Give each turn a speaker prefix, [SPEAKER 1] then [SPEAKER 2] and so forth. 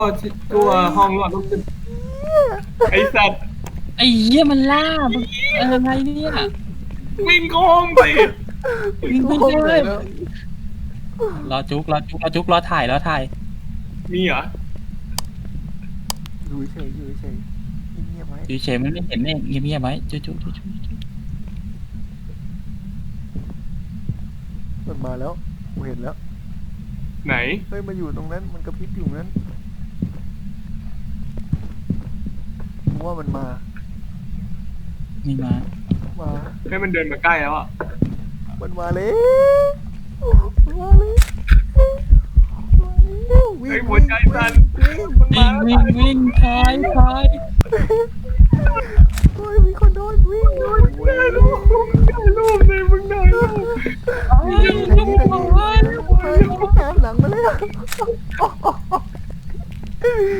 [SPEAKER 1] ตัวห้องหลอดต้องขึ้นไอสัตว์
[SPEAKER 2] ไอ้เหี้ยมันล่ามึงอะไรเนี่ย
[SPEAKER 1] วิ่งโค้งสิ
[SPEAKER 2] วิ่งไม่ได้รอจุกรอถ่าย
[SPEAKER 1] มีเหรอ
[SPEAKER 3] อยู่เฉยเงียบไว้
[SPEAKER 2] อยู่เฉยมันไม่เห็นเองเงียบๆไว้จุก
[SPEAKER 3] มันมาแล้วกูเห็นแล้ว
[SPEAKER 1] ไหน
[SPEAKER 3] เฮ้ยมันอยู่ตรงนั้นมันกระพริบอยู่นั้นกูว่ามันมา
[SPEAKER 2] นี่มา
[SPEAKER 1] ให้มันเดินมาใกล้แล้วอ่ะ
[SPEAKER 3] มันมาแล้วมันมาแล้ววิ่
[SPEAKER 1] ไอ้
[SPEAKER 3] ง
[SPEAKER 1] หัวใจสั่น
[SPEAKER 3] วิ่ง
[SPEAKER 2] วิ่งถ่าย
[SPEAKER 3] เฮ้ยมีคนโดนวิ่ง
[SPEAKER 1] ได้รูปเลยมึงได้รูป
[SPEAKER 3] เฮ้ยตามหลังมาแล้ว